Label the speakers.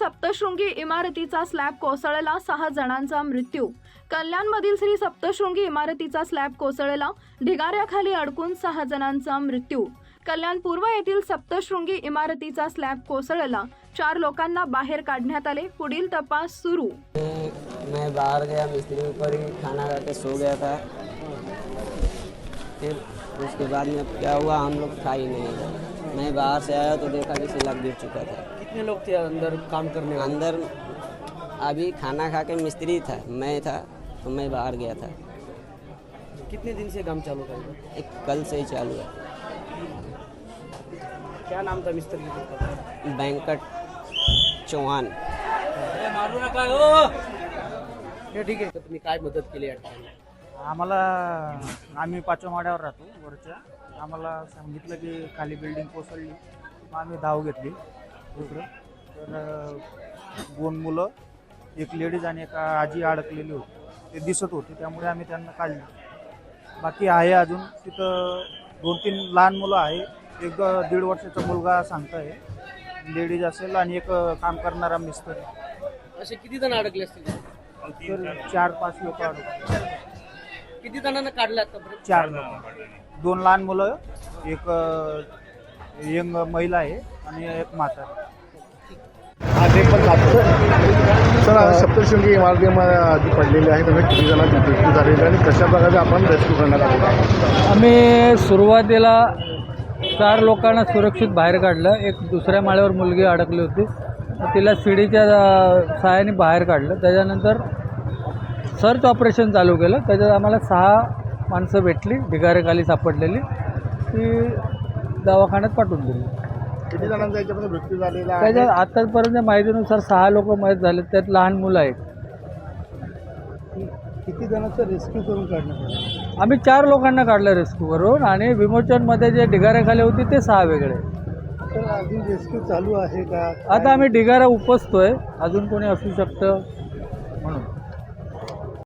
Speaker 1: सप्तशृंगी इमारतीचा स्लॅब कोसळला, 6 जणांचा मृत्यू. कल्याणमधील श्री सप्तशृंगी इमारतीचा स्लॅब कोसळला, ढिगाऱ्याखाली अडकून 6 जणांचा मृत्यू. कल्याण पूर्व येथील सप्तशृंगी इमारतीचा स्लॅब कोसळला, 4 लोकांना बाहेर काढण्यात आले. पुढील तपास सुरू.
Speaker 2: मैं बाहर गया, मिस्त्री ऊपर ही खाना खा के सो गया था। फिर उसके बाद में क्या हुआ हम लोग खा ही नहीं। मैं बाहर से आया तो देखा कि स्लैब गिर चुका था।
Speaker 3: कितने लोग थे अंदर काम करने वाले?
Speaker 2: अंदर अभी खाना खा के मिस्त्री था, मैं था, तो मैं बाहर गया था।
Speaker 3: कितने दिन से काम चालू था?
Speaker 2: एक कल से ही चालू है।
Speaker 3: क्या नाम था मिस्त्री का?
Speaker 2: वेंकट चौहान।
Speaker 3: हे ठीक आहे. तुम्ही काय मदत केली या ठिकाणी?
Speaker 4: आम्हाला आम्ही 5व्या माळ्यावर राहतो वरच्या. आम्हाला सांगितलं की खाली बिल्डिंग कोसळली. मग आम्ही धाव घेतली इकडं. तर 2 मुलं, एक लेडीज आणि एक आजी अडकलेली होती. ते दिसत होते, त्यामुळे आम्ही त्यांना काढले. बाकी आहे अजून तिथं 2-3 लहान मुलं आहे. एक 1.5 वर्षाचा मुलगा सांगताय, लेडीज असेल, आणि एक काम करणारा मिस्टर.
Speaker 3: असे किती जण अडकले असतील?
Speaker 4: तर 4-5 लोक अडकले.
Speaker 3: किती जणांना काढलं आतापर्यंत?
Speaker 4: 4 लोक, 2 लहान मुलं, एक यंग महिला आहे आणि एक म्हातारा.
Speaker 5: सर, सप्तशृंगी इमारतीमध्ये पडलेली आहे, त्यामुळे किती जणांची मृत्यू झालेली आणि कशा प्रकारे आपण रेस्क्यू करण्यात आलेला?
Speaker 6: आम्ही सुरुवातीला 4 लोकांना सुरक्षित बाहेर काढलं. एक दुसऱ्या माळ्यावर मुलगी अडकली होती, तिला शिडीच्या सहाय्याने बाहेर काढलं. त्याच्यानंतर सर्च ऑपरेशन चालू केलं. त्याच्यात आम्हाला 6 माणसं भेटली, ढिगाऱ्याखाली सापडलेली, ती दवाखान्यात पाठवून दिली.
Speaker 5: किती जणांचा याच्यामध्ये मृत्यू झालेला आहे?
Speaker 6: त्याच्यात आतापर्यंत माहितीनुसार 6 लोक मयत झाले, त्यात लहान मुलं आहेत.
Speaker 4: किती जणांचं रेस्क्यू करून काढण्यात आलं?
Speaker 6: आम्ही 4 लोकांना काढलं रेस्क्यू करून, आणि विमोचनमध्ये जे ढिगाऱ्याखाली होती ते 6 वेगळे.
Speaker 4: तर अजून रेस्क्यू चालू आहे का?
Speaker 6: आता आम्ही ढिगारा उपसतोय, अजून कोणी असू शकतं म्हणून.